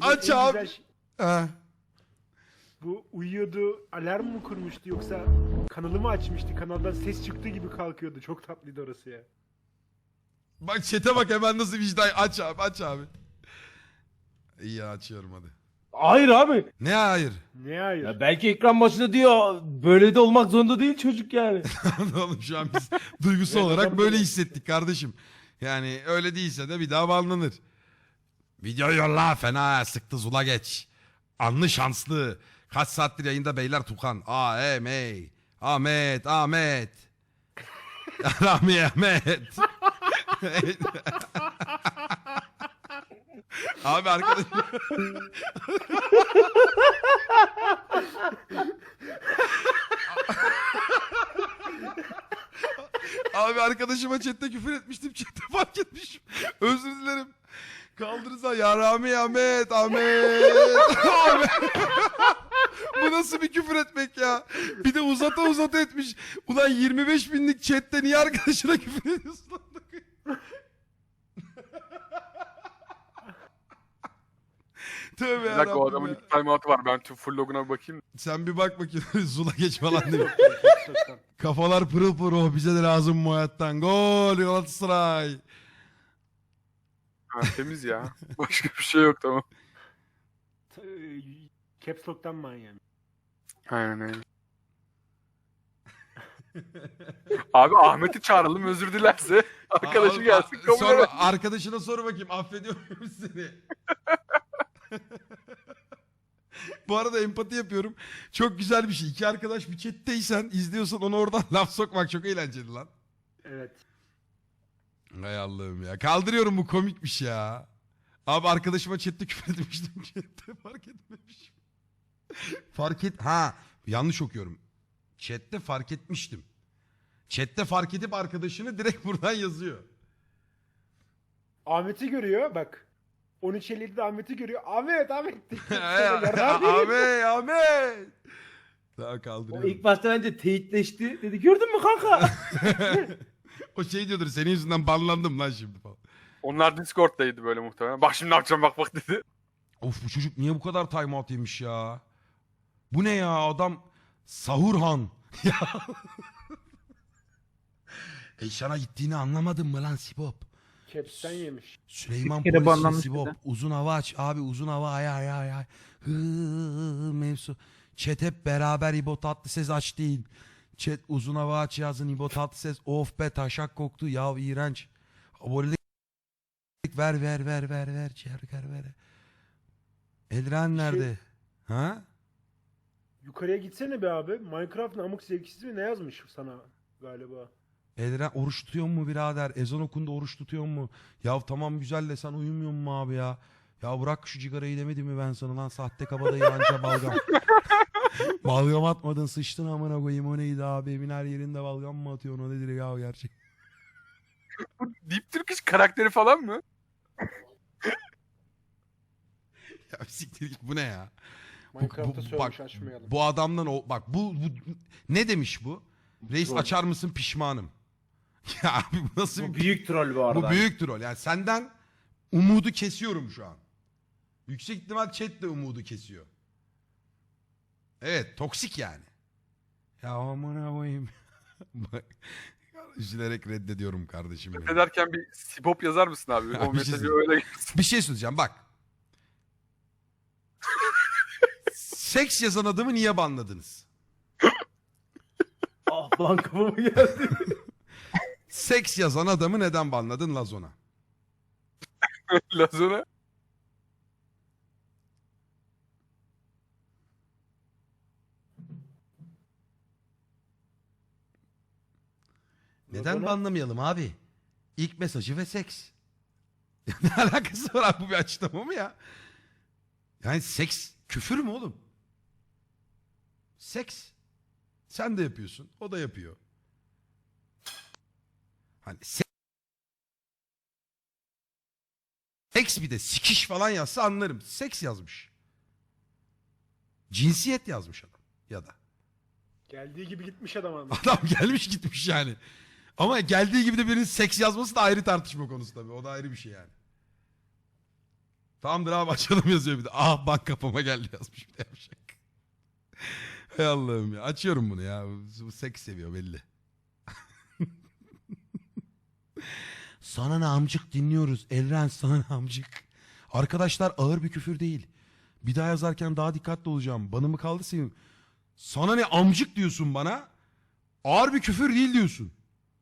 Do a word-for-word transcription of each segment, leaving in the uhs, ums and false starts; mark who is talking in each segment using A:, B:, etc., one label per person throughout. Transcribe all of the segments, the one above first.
A: Aç
B: en
A: abi.
B: güzel şey-
A: Ha.
B: Bu uyuyordu, alarm mı kurmuştu yoksa kanalı mı açmıştı? Kanaldan ses çıktığı gibi kalkıyordu. Çok tatlıydı orası ya.
A: Bak chat'e bak hemen nasıl vicdan. Aç abi aç abi. İyi ya, açıyorum hadi.
C: Hayır abi.
A: Ne hayır?
B: Ne hayır?
C: Ya belki ekran başında diyor böyle de olmak zorunda değil çocuk yani.
A: Oğlum şu an biz duygusal
B: Evet,
A: olarak
B: adam
A: böyle
B: böyle.
A: hissettik kardeşim. Yani öyle değilse de bir daha banlanır. Video yolla fena sıktı zula geç. Anlı şanslı. Kaç saattir yayında beyler Tukan. A M Ahmet Ahmet. Rami Ahmet. Abi arkadaş. Abi arkadaşıma chatte küfür etmiştim. Chatte fark etmişim. Özür dilerim. Kaldırırsa ya Rami Ahmet Ahmet. Ahmet. Bu nasıl bir küfür etmek ya? Bir de uzata uzata etmiş. Ulan yirmi beş binlik chatte niye arkadaşına küfür ediyorsun? Tövbe
D: Bir dakika o
A: yarabbim
D: adamın
A: ya.
D: iki timeout'u var. Ben tüm full loguna bir bakayım.
A: Sen bir bak bakayım. Zula geç falan değil mi?
B: Sokaktan.
A: Kafalar pırıl pırıl. Oh, bize de lazım bu hayattan. Gol Galatasaray.
D: Ha, temiz ya. Başka bir şey yok tamam.
B: T- Caps Lock'tan manyağım.
D: Aynen öyle. Abi Ahmet'i çağıralım özür dilerse. Arkadaşı
A: Aa,
D: gelsin
A: a-
D: kabul
A: sor,
D: eder.
A: arkadaşına sor bakayım affediyor muyum seni? Bu arada empati yapıyorum. Çok güzel bir şey. İki arkadaş bir chatteysen izliyorsan onu oradan laf sokmak çok eğlenceli lan.
B: Evet.
A: Hay Allah'ım ya. Kaldırıyorum bu komikmiş ya. Abi arkadaşıma chatte küfür etmiştim. Chatte fark etmemişim. Fark et... Ha yanlış okuyorum. Chatte fark etmiştim. Chatte fark edip arkadaşını direkt buradan yazıyor.
B: Ahmet'i görüyor bak. on üç elli yedide Ahmet'i görüyor. Ahmet Ahmet.
A: Ahmet Ahmet. Daha
C: O
A: kaldırıyorum.
C: ilk başta bence teyitleşti. Dedi gördün mü kanka?
A: O şey diyordur senin yüzünden banlandım lan şimdi falan.
D: Onlar Discord'daydı böyle muhtemelen. Bak şimdi ne yapacağım bak bak dedi.
A: Of bu çocuk niye bu kadar timeout yemiş ya? Bu ne ya adam Sahurhan. Ya. Eşana gittiğini anlamadın mı lan Sibop?
B: Caps'ten yemiş.
A: Süleyman
E: Bir kere
A: Polis'in
E: banlanmış
A: Sibop.
E: bir de.
A: Uzun hava aç abi uzun hava ay ay ay ay. Hı, mevzu. Chat hep beraber İbo Tatlıses aç değil. Chat uzun hava aç yazın İbo Tatlıses. Of be taşak koktu ya iğrenç. Abonelik ver ver ver ver ver. Çerker ver. Elren nerede? Ha?
B: Yukarıya gitsene be abi. Minecraft'ın amık zevkisiz mi ne yazmış sana galiba?
A: Elren oruç tutuyor mu birader? Ezan okundu oruç tutuyor mu? Ya tamam güzel de sen uyumuyor mu abi ya? Ya bırak şu cigarayı demedim mi ben sana lan sahte kabadayı anca balgam. Balgam atmadın sıçtın amına koyayım o neydi abi? Evin her yerinde balgam mı atıyorsun o nedir ya gerçek?
D: Bu Deep Turkish karakteri falan mı?
A: Ya siktir git bu ne ya? Bu,
B: Minecraft'ta
A: bu-
B: söylemiş
A: bak,
B: açmayalım.
A: bu adamdan o bak bu, bu ne demiş bu? Reis
C: Troll.
A: açar mısın pişmanım. Ya abi bu nasıl
C: Bu
A: bir
C: büyük troll bu arada.
A: Bu büyük troll. Yani senden umudu kesiyorum şu an. Yüksek ihtimal chat de umudu kesiyor. Evet, toksik yani. Ya amına koyayım. Bak, üzülerek reddediyorum kardeşim benim.
D: Ne derken bir sibop yazar mısın abi?
A: Ya
D: O
A: bir şey
D: mesajı
A: söyleyeyim.
D: öyle gelsin.
A: Bir şey söyleyeceğim bak. Seks yazan adamı niye banladınız?
C: Ah lan kafama geldi.
A: Seks yazan adamı neden banladın Lazona?
D: Lazona.
A: Neden
B: Lazona-
A: banlamayalım abi? İlk mesajı ve seks. Ne alakası var abi bu bir açıklama mı ya? Yani seks küfür mü oğlum? Seks. Sen de yapıyorsun. O da yapıyor. Hani se- seks bir de sikiş falan yazsa anlarım. Seks yazmış. Cinsiyet yazmış adam. Ya da.
B: Geldiği gibi gitmiş adam ama.
A: Adam gelmiş gitmiş yani. Ama geldiği gibi de birinin seks yazması da ayrı tartışma konusu tabii. O da ayrı bir şey yani. Tamamdır abi açalım yazıyor bir de. Ah bank kapıma geldi yazmış bir de yapacak. Hay Allah'ım ya. Açıyorum bunu ya. Bu, bu seks seviyor belli. Sana ne amcık dinliyoruz. Elren sana ne amcık. Arkadaşlar ağır bir küfür değil. Bir daha yazarken daha dikkatli olacağım. Banımı kaldı senin. Sana ne amcık diyorsun bana. Ağır bir küfür değil diyorsun.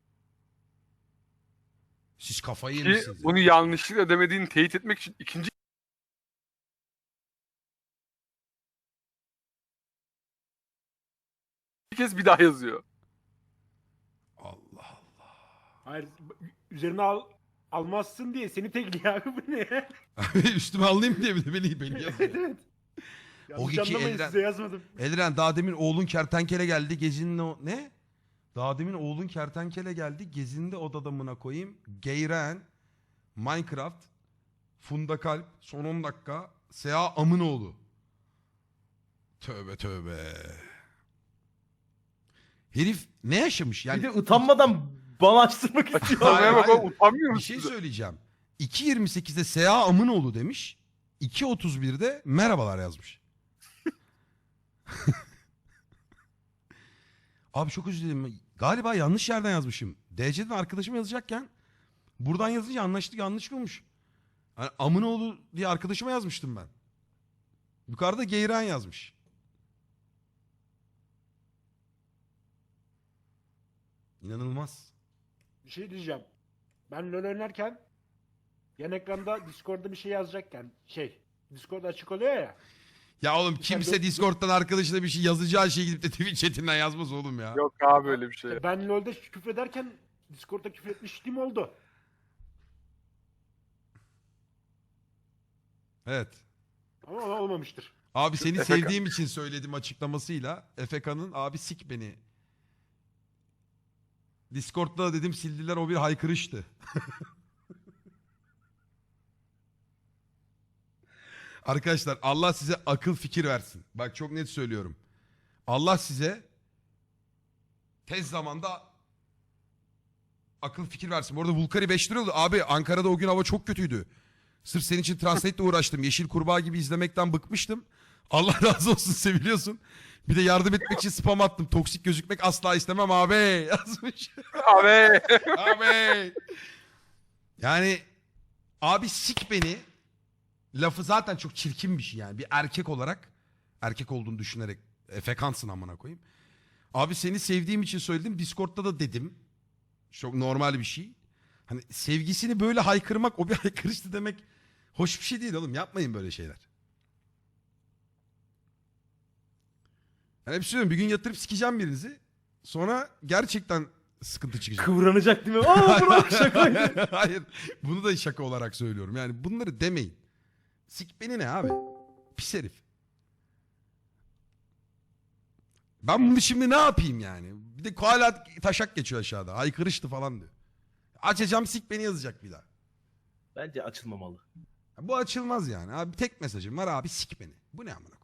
A: Siz kafayı
D: Ki
A: yemişsiniz.
D: bunu yanlışlıkla demediğini teyit etmek için ikinci kez bir daha yazıyor.
A: Allah Allah.
B: Hayır üzerine al, almazsın diye seni tekliyor abi bu ne?
A: Abi üstüme alayım diye bir de beni, beni yazıyor.
B: Evet evet. Yanlış
A: iki
B: anlamayın
A: elden-
B: size yazmadım.
A: Elren daha demin oğlun kertenkele geldi. Gezinin o... Ne? Daha demin oğlun kertenkele geldi. Gezinde odadamına koyayım. Geyren, Minecraft, Funda Kalp, son on dakika, Seha Amınoğlu. Tövbe tövbe. Herif ne yaşamış? Yani
C: Bir de utanmadan bana açtırmak istiyor.
D: Açıklamaya bak
A: hayır.
D: o utanmıyor
A: bir
D: musun?
A: şey söyleyeceğim. iki yirmi sekizde Seha Amınoğlu demiş. iki otuz birde merhabalar yazmış. Abi çok özür dilerim. Galiba yanlış yerden yazmışım. D C'den arkadaşım yazacakken buradan yazınca anlaştık yanlış olmuş. Yani Amınoğlu diye arkadaşıma yazmıştım ben. Yukarıda Geyran yazmış. İnanılmaz.
B: Bir şey diyeceğim. Ben LoL oynarken yan ekranda Discord'da bir şey yazacakken şey Discord açık oluyor ya.
A: Ya oğlum
B: Sen
A: kimse
B: de-
A: Discord'dan arkadaşına bir şey yazacağı şey gidip de Twitch chatinden yazmaz oğlum ya.
D: Yok abi öyle bir şey.
B: Ben LoL'de küfrederken Discord'da küfür etmişliğim oldu.
A: Evet.
B: Ama ona olmamıştır.
A: Abi seni
D: Efe-
A: sevdiğim için söyledim açıklamasıyla. Efeka'nın abi sik beni. Discord'da da dedim sildiler o bir haykırıştı. Arkadaşlar Allah size akıl fikir versin. Bak çok net söylüyorum. Allah size tez zamanda akıl fikir versin. Bu arada Vulkari beş lira oldu. Abi Ankara'da o gün hava çok kötüydü. Sırf senin için Translate'le uğraştım. Yeşil Kurbağa gibi izlemekten bıkmıştım. Allah razı olsun seviliyorsun. Bir de yardım etmek için spam attım. Toksik gözükmek asla istemem abi yazmış.
D: Abi.
A: Abi. Yani abi sik beni lafı zaten çok çirkin bir şey yani. Bir erkek olarak erkek olduğunu düşünerek efekansın amına koyayım. Abi seni sevdiğim için söyledim. Discord'da da dedim. Çok normal bir şey. Hani sevgisini böyle haykırmak o bir haykırıştı demek hoş bir şey değil oğlum. Yapmayın böyle şeyler. Ben hep söylüyorum bir gün yatırıp sikeceğim birinizi. Sonra gerçekten sıkıntı çıkacak.
C: Kıvranacak değil mi? Aa bırak şakaydı.
A: Hayır. Bunu da şaka olarak söylüyorum. Yani bunları demeyin. Sik beni ne abi? Pis herif. Ben bunu şimdi ne yapayım yani? Bir de hala taşak geçiyor aşağıda. Haykırıştı falan diyor. Açacağım sik beni yazacak bir daha.
C: Bence açılmamalı.
A: Bu açılmaz yani. Abi tek mesajım var abi sik beni. Bu ne amına koyayım?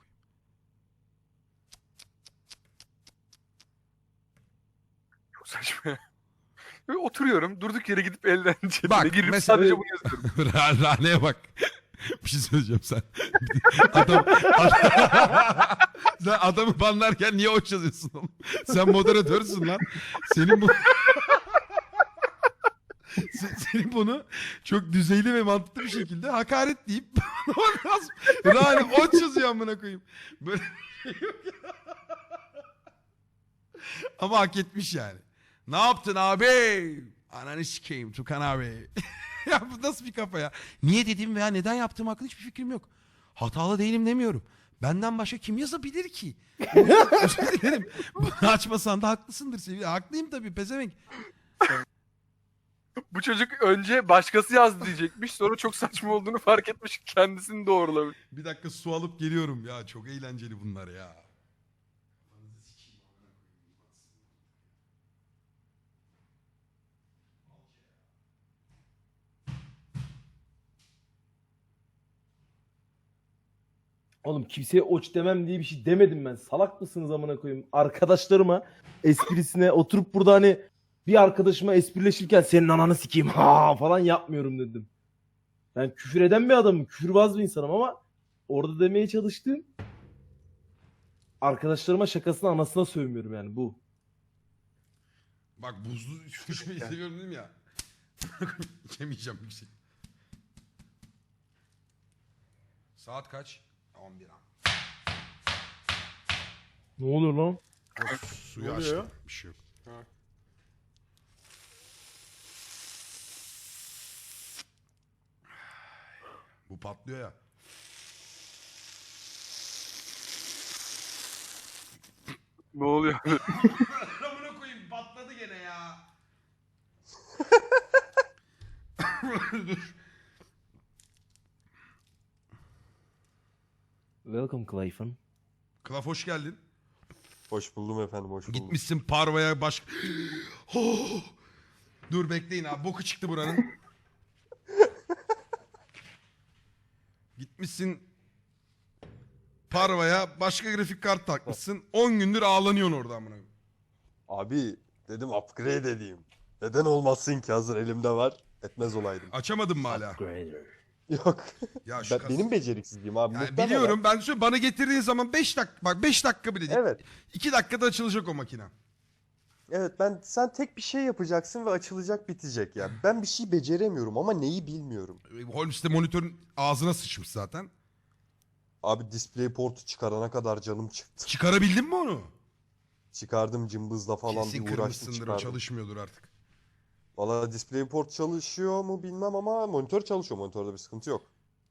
D: Çok saçma. Böyle oturuyorum durduk yere gidip elden cebine
A: Bak,
D: girip
A: mesela-
D: sadece bunu yazıyorum.
A: Ra- Rane'ye bak. Bir şey söyleyeceğim sen. Adam, adam, sen adamı banlarken niye hoş yazıyorsun oğlum? Sen moderatörsün lan. Senin bu... Se- Senin bunu çok düzeyli ve mantıklı bir şekilde hakaret deyip Rane hoş yazıyor amına koyayım. Böyle bir şey yok ya. Ama hak etmiş yani. Ne yaptın abi? Ananı sikeyim Tukan abi. Ya bu nasıl bir kafa ya? Niye dediğim veya neden yaptığım hakkında hiçbir fikrim yok. Hatalı değilim demiyorum. Benden başka kim yazabilir ki? Özür dilerim. Bunu açmasan da haklısındır sevgili. Haklıyım tabii pezevenk.
D: Bu çocuk önce başkası yazdı diyecekmiş. Sonra çok saçma olduğunu fark etmiş. Kendisini doğrulamış.
A: Bir dakika su alıp geliyorum ya. Çok eğlenceli bunlar ya.
C: Oğlum kimseye oç demem diye bir şey demedim ben. Salak mısınız amına koyayım? Arkadaşlarıma esprisine oturup burada hani bir arkadaşıma esprileşirken senin ananı sikeyim ha falan yapmıyorum dedim. Ben küfür eden bir adamım. Küfürbaz bir insanım ama orada demeye çalıştığım arkadaşlarıma şakasına anasına sövmüyorum yani bu.
A: Bak buzlu düşmeyi seviyorum dedim ya. Yemeyeceğim yüksek. Saat kaç? on bir an.
C: Ne oluyor lan?
A: Yok, suyu
B: Ne oluyor?
A: açtım. Bir şey yok.
B: Ha.
A: Bu patlıyor ya.
D: Ne oluyor?
A: Amına koyayım patladı gene ya. Dur.
C: Welcome Clayton.
A: Klaf hoş geldin.
E: Hoş buldum efendim, hoş buldum.
A: Gitmişsin Parva'ya baş... Oh! Dur bekleyin abi. Boku çıktı buranın. Gitmişsin Parva'ya başka grafik kart takmışsın. on gündür ağlanıyorsun orada amına.
E: Abi dedim upgrade edeyim. Neden olmasın ki, hazır elimde var. Etmez olaydım.
A: Açamadın mı hala?
C: Upgrader.
E: Yok.
A: Ya şu
E: Ben,
A: kas-
E: benim beceriksizliğim abi.
A: Yani
E: muhtemelen.
A: biliyorum ben şu bana getirdiğin zaman beş dakika bak beş dakika bile değil.
E: Evet.
A: iki dakikada açılacak o makine.
E: Evet, ben sen tek bir şey yapacaksın ve açılacak, bitecek ya. Ben bir şey beceremiyorum ama neyi bilmiyorum.
A: Holmes de monitörün ağzına sıçmış zaten.
E: Abi DisplayPort'u çıkarana kadar canım çıktı.
A: Çıkarabildin mi onu?
E: Çıkardım cımbızla falan,
A: Kesin
E: bir uğraştım
A: kırmışsındır o
E: çıkardım.
A: çalışmıyordur artık.
E: Valla DisplayPort çalışıyor mu bilmem ama monitör çalışıyor. Monitörde bir sıkıntı yok.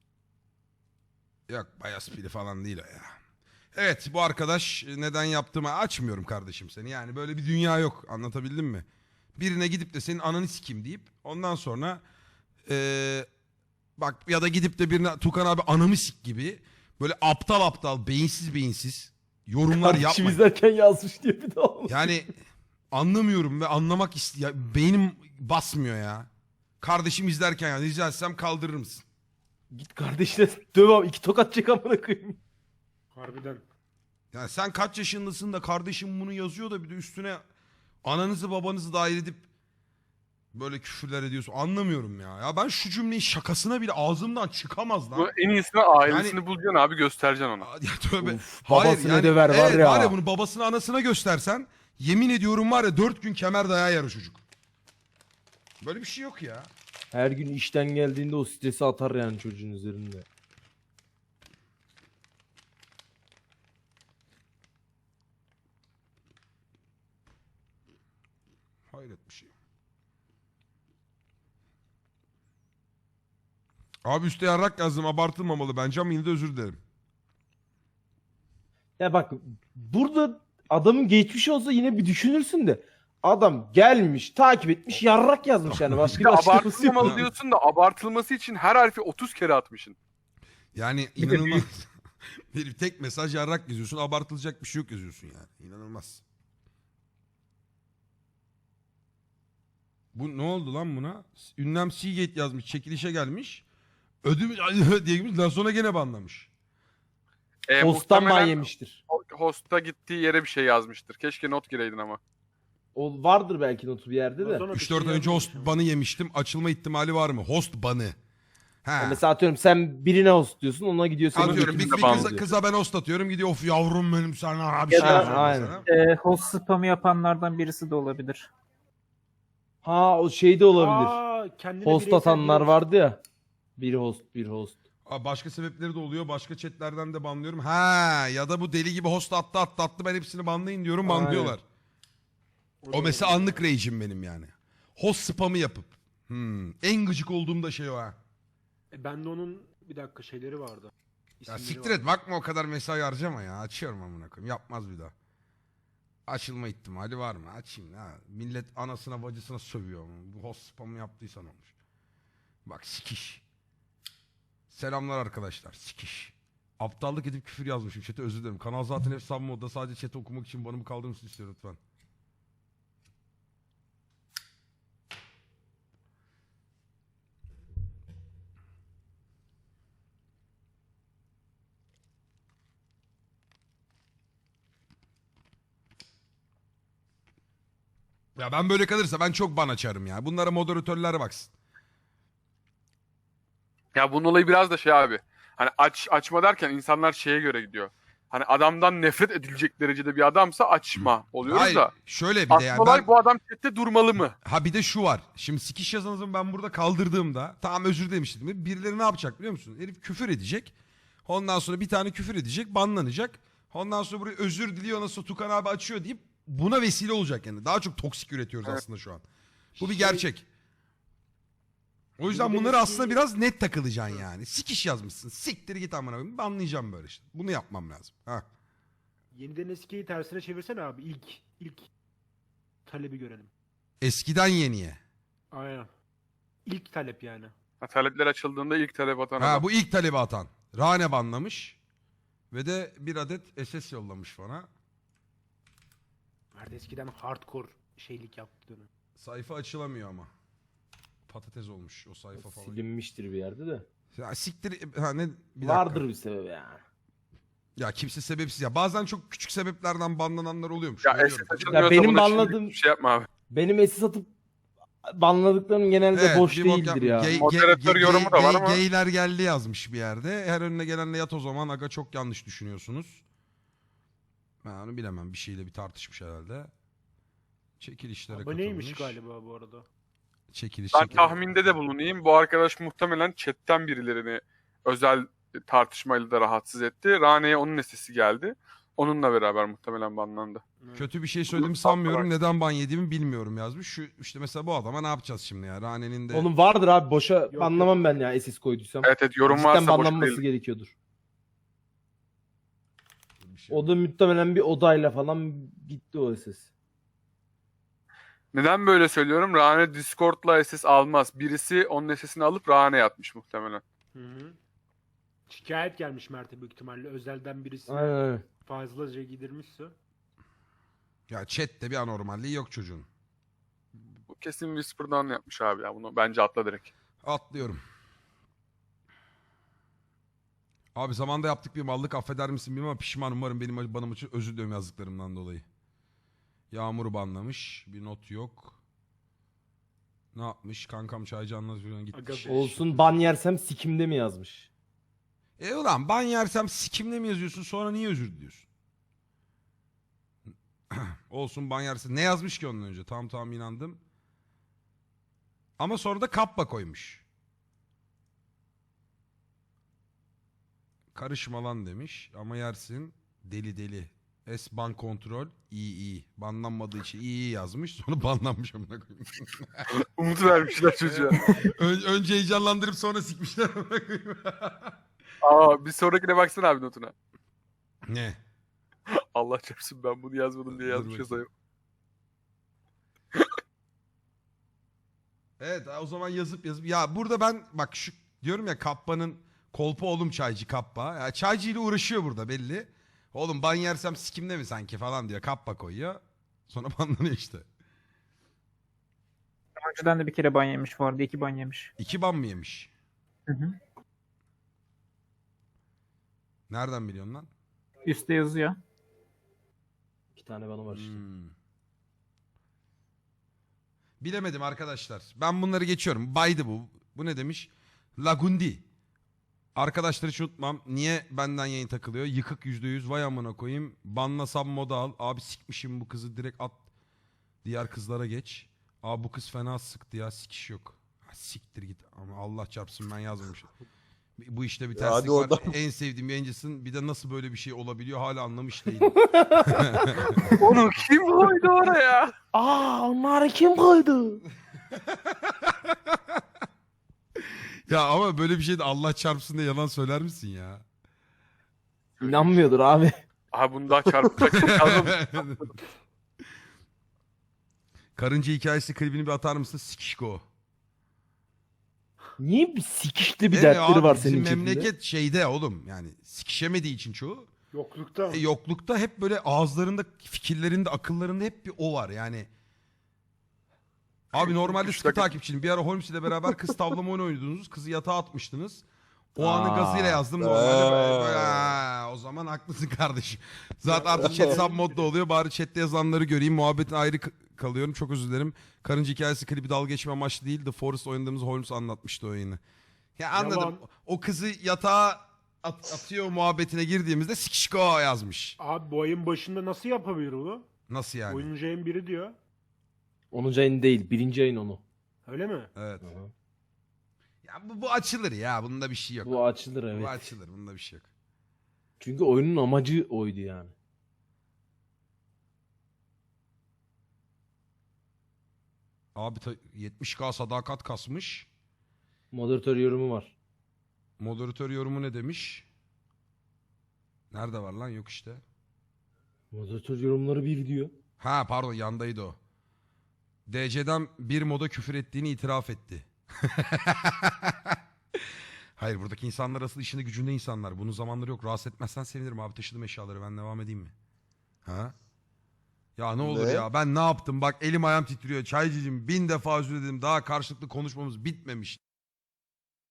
A: Yok bayağı pili falan değil o ya. Evet bu arkadaş neden yaptığımı açmıyorum kardeşim seni. Yani böyle bir dünya yok, anlatabildim mi? Birine gidip de senin ananı sikeyim deyip ondan sonra eee, bak ya da gidip de birine Tukan abi anamı sik gibi böyle aptal aptal beyinsiz beyinsiz yorumlar
C: Kardeşim
A: yapmayın.
C: izlerken yazmış diye bir daha olmuş.
A: Yani anlamıyorum ve anlamak istiyor. Beynim basmıyor ya. Kardeşim izlerken ya rica etsem kaldırır mısın?
C: Git kardeşine döv abi. İki tokat çek amına koyayım.
B: Harbiden.
A: Yani sen kaç yaşındasın da kardeşim bunu yazıyor da bir de üstüne ananızı babanızı dahil edip böyle küfürler ediyorsun. Anlamıyorum ya. Ya ben şu cümleyi şakasına bile ağzımdan çıkamaz lan.
D: Bu en iyisini ailesini
A: Yani-
D: bulacaksın abi, göstereceksin ona.
A: Ya tövbe.
C: Of, babasına döver var
A: evet,
C: ya.
A: var ya bunu babasına anasına göstersen yemin ediyorum var ya dört gün kemer dayağı yer o çocuk. Böyle bir şey yok ya.
C: Her gün işten geldiğinde o stresi atar yani çocuğun üzerinde.
A: Hayret bir şey. Abi üstte yarrak yazdım, abartılmamalı bence ama yine de özür dilerim.
C: Ya bak burada adamın geçmiş olsa yine bir düşünürsün de adam gelmiş takip etmiş yarrak yazmış yani başka
D: Bir
C: bir
D: de
C: açıklaması yok.
D: abartılmamalı diyorsun da abartılması için her harfi otuz kere atmışsın.
A: Yani
C: Bir de
A: inanılmaz. Bir tek mesaj yarrak yazıyorsun, abartılacak bir şey yok yazıyorsun yani. İnanılmaz. Bu ne oldu lan buna? Ünlem Seagate yazmış, çekilişe gelmiş. Ödüm diye girmiş, daha sonra gene banlamış.
D: E,
C: Posttan ban
D: muhtemelen
C: yemiştir.
D: Host'a gittiği yere bir şey yazmıştır. Keşke not gireydin ama.
C: O vardır belki notu bir yerde de.
B: Ondan sonra bir
A: üç dört
B: şey
A: ay önce host
B: yazmamış
A: banı yemiştim. Açılma ihtimali var mı? Host banı. Ha.
C: Ya mesela atıyorum sen birine host diyorsun ona gidiyor senin
A: Atıyorum bir,
C: götünü
A: bir
D: ban
A: kıza,
C: diyor.
A: kıza ben host atıyorum. Gidiyor of yavrum benim sana abi
F: Ya
A: şey
F: da-
A: yazıyor
C: aynen.
A: mesela.
F: Ee, host spamı yapanlardan birisi de olabilir.
C: Ha o şey de olabilir.
B: Aa, kendine
C: Host
B: bireysel
C: atanlar
B: bir-
C: vardı ya. Bir host bir host.
A: Aa, başka sebepleri de oluyor. Başka chatlerden de banlıyorum. Ha ya da bu deli gibi host attı attı attı ben hepsini banlayın diyorum
C: Aynen.
A: banlıyorlar.
B: da
A: O mesela
B: olabilir.
A: anlık rage'im benim yani. Host spamı yapıp. Hmm. En gıcık olduğum da şey o ha.
B: E, ben de onun bir dakika şeyleri vardı.
A: Ya
B: İsimleri
A: siktir
B: vardı.
A: et bakma o kadar mesai harcama ya. Açıyorum amına koyayım. Yapmaz bir daha. Açılma ihtimali var mı? Açayım ha. Millet anasına bacısına sövüyor. Bu host spamı yaptıysan olmuş. Bak sikiş. Selamlar arkadaşlar. Sikiş. Aptallık edip küfür yazmışım. Chat'e özür dilerim. Kanal zaten hep sub modda. Sadece chat'i okumak için banımı kaldırır mısın istiyor lütfen. Ya ben böyle kalırsa ben çok ban açarım ya. Bunlara moderatörler baksın.
D: Ya bunun olayı biraz da şey abi. Hani aç açma derken insanlar şeye göre gidiyor. Hani adamdan nefret edilecek derecede bir adamsa açma oluyoruz
A: Hayır
D: da.
A: şöyle bir de
D: Asıl
A: yani
D: olay
A: ben...
D: bu adam chatte durmalı mı?
A: Ha bir de şu var. Şimdi sikiş yazanızı ben burada kaldırdığımda tamam özür demiştim. Birileri ne yapacak biliyor musun? Herif küfür edecek. Ondan sonra bir tane küfür edecek, banlanacak. Ondan sonra buraya özür diliyor nasıl Tukan abi açıyor deyip buna vesile olacak yani. Daha çok toksik üretiyoruz
D: Evet.
A: aslında şu an. Bu bir
B: Şey-
A: gerçek. O yüzden
B: Bir de
A: bunları
B: eski-
A: aslında biraz net takılacaksın yani. Sikiş yazmışsın. Siktir git amına koyayım. Banlayacağım böyle işte. Bunu yapmam lazım. Ha.
B: Yeniden eskiyi tersine çevirsene abi. İlk ilk talebi görelim.
A: Eskiden yeniye.
B: Aynen. İlk talep yani.
D: Ha, talepler açıldığında ilk talep atan
A: Ha
D: adam.
A: bu ilk talebi atan. Rane banlamış. Ve de bir adet S S yollamış bana.
B: Nerede eskiden hardcore şeylik yaptığını.
A: Sayfa açılamıyor ama. Patates olmuş o sayfa falan.
C: Silinmiştir bir yerde de.
A: Ya siktir ha ne bir dakika.
C: Vardır bir sebebi ya.
A: Ya kimse sebepsiz ya. Bazen çok küçük sebeplerden banlananlar oluyormuş.
D: Ya
A: Görüyorum.
D: S S açılmıyorsa
C: benim
D: buna şimdi
C: banladığım-
D: şey yapma abi.
C: Benim esis atıp banladıklarım genelde
A: Evet,
C: boş
A: bir bok
C: değildir
A: yapma.
C: ya.
A: Gay-
D: Moderatör
A: gay-
D: yorumu da var
A: gay-
D: ama-
A: Gayler geldi yazmış bir yerde. Her önüne gelenle yat o zaman. Aga çok yanlış düşünüyorsunuz. Ben onu bilemem. Bir şeyle bir tartışmış herhalde. Çekilişlere
B: Aboneymiş
A: katılmış.
B: galiba bu arada.
A: Çekiliş
D: Ben
A: çekiliş.
D: tahminde de bulunayım. Bu arkadaş muhtemelen chatten birilerini özel tartışmayla da rahatsız etti. Rane'ye onun sesi geldi. Onunla beraber muhtemelen banlandı.
A: Kötü bir şey söylediğimi sanmıyorum. Neden ban yediğimi bilmiyorum yazmış. Şu işte mesela bu adama ne yapacağız şimdi ya? Rane'nin de
C: Onun vardır abi boşa
B: Yok,
C: banlamam ben ya esis koyduysam.
D: Evet evet yorum
C: Cidden
D: varsa boş
C: banlanması
D: değil.
C: gerekiyordur.
A: bir şey.
C: O da muhtemelen bir odayla falan gitti o ses.
D: Neden böyle söylüyorum? Rane Discord'la S S almaz. Birisi onun sesini alıp Rane'ye atmış muhtemelen.
B: Hı hı. Şikayet gelmiş Mert'e büyük ihtimalle. Özelden birisi
C: Aynen öyle.
B: fazlaca gidirmişse.
A: Ya chat'te bir anormalliği yok çocuğun.
D: Bu kesin Whisper'dan yapmış abi ya. Bunu bence atla direkt.
A: Atlıyorum. Abi zamanda yaptık bir mallık affeder misin bilmem ama pişmanım umarım benim bana için özür diliyorum yazdıklarımdan dolayı. Yağmur banlamış. Bir not yok. Ne yapmış? Kankam çaycı anlatıyor gitmiş.
B: Aga be.
C: Olsun ban yersem sikimde mi yazmış?
A: E ulan ban yersem sikimle mi yazıyorsun sonra niye özür diliyorsun? Olsun ban yersin. Ne yazmış ki ondan önce? Tamam tamam inandım. Ama sonra da kappa koymuş. Karışma lan demiş ama yersin. Deli deli. S ban kontrol iyi iyi. Banlanmadığı için iyi iyi yazmış. Sonra banlanmış amına koyayım.
D: Umut vermişler çocuğa.
A: Ön- önce heyecanlandırıp sonra sikmişler amına koyayım.
D: Aa bir sonrakine baksana abi notuna.
A: Ne?
D: Allah çarpsın ben bunu yazmadım diye
A: Dur
D: yazmış
A: bakayım.
D: yazayım.
A: Evet o zaman yazıp yazıp. Ya burada ben bak şu diyorum ya Kappa'nın kolpa oğlum çaycı Kappa. Ya çaycı ile uğraşıyor burada belli. Oğlum ban yersem sikimde mi sanki falan diyor. Kappa koyuyor. Sonra banlanıyor işte.
F: Önceden de bir kere ban yemiş vardı. iki ban yemiş.
A: İki ban mı yemiş?
F: Hı hı.
A: Nereden biliyorsun lan?
F: Üste yazıyor.
C: İki tane bana var işte.
A: Hmm. Bilemedim arkadaşlar. Ben bunları geçiyorum. Baydı bu. Bu ne demiş? Lagundi. Arkadaşları hiç unutmam. Niye benden yayın takılıyor? Yıkık yüzde yüz. Vay amına koyayım. Banlasam moda al. Abi sikmişim bu kızı direkt at. Diğer kızlara geç. Abi bu kız fena sıktı ya. Sikiş yok. Ha, siktir git. Ama Allah çarpsın ben yazmamışım. Bu işte bir
E: Ya hadi
A: terslik var.
E: oradan.
A: En sevdiğim yayıncısın. Bir de nasıl böyle bir şey olabiliyor hala anlamış değilim.
D: Onu kim koydu oraya?
C: Aa onları kim koydu?
A: Ya ama böyle bir şey de Allah çarpsın diye yalan söyler misin ya?
C: İnanmıyordur abi.
D: Aha bunu daha çarpacak. Yazmamış.
A: Karınca hikayesi klibini bir atar mısın? Sikişko.
C: Niye bir sikişli bir
A: Evet
C: dertleri
A: abi,
C: var
A: bizim
C: senin chatinde?
A: memleket şeyde oğlum yani sikişemediği için çoğu.
B: Yoklukta.
A: E, yoklukta hep böyle ağızlarında, fikirlerinde, akıllarında hep bir o var yani. Abi normalde
D: Üç
A: sıkı
D: dakika-
A: takipçiyim. Bir ara Holmes ile beraber kız tavlama oyunu oynuyordunuz. Kızı yatağa atmıştınız. O anın
C: Aa.
A: gazıyla yazdım. Normalde böyle,
E: Aa.
A: böyle, "Ha, o zaman haklısın kardeşim. Zaten artık chat sub modda oluyor. Bari chatte yazanları göreyim. Muhabbetin ayrı k- kalıyorum. Çok özür dilerim. Karınca hikayesi klibi dalga geçme amaçlı değil. The Forest oynadığımız Holmes anlatmıştı o oyunu. Ya anladım.
B: Yalan.
A: O kızı yatağa at- atıyor muhabbetine girdiğimizde sikişko yazmış.
B: Abi bu ayın başında nasıl yapabilir bunu?
A: Nasıl yani?
B: Oyuncu ayın biri diyor.
C: onuncu ayın değil, birinci ayın onu.
B: Öyle mi?
A: Evet.
C: Hı hı.
A: Ya bu, bu açılır ya. Bunda bir şey yok.
C: Bu açılır
A: Bu
C: evet.
A: açılır. Bunda bir şey yok.
C: Çünkü oyunun amacı oydu yani.
A: Abi ta- yetmiş K sadakat kasmış.
C: Moderatör yorumu var.
A: Moderatör yorumu ne demiş? Nerede var lan? Yok işte.
C: Moderatör yorumları bir diyor.
A: Ha pardon, yandaydı o. D C'den bir moda küfür ettiğini itiraf etti. Hayır, buradaki insanlar asıl işinde gücünde insanlar. Bunun zamanları yok. Rahatsız etmezsen sevinirim abi. Taşıdım eşyaları, ben devam edeyim mi? Ha? Ya ne olur
E: Ne?
A: ya, ben ne yaptım? Bak elim ayağım titriyor. Çaycıcım bin defa özür diledim. Daha karşılıklı konuşmamız bitmemiş.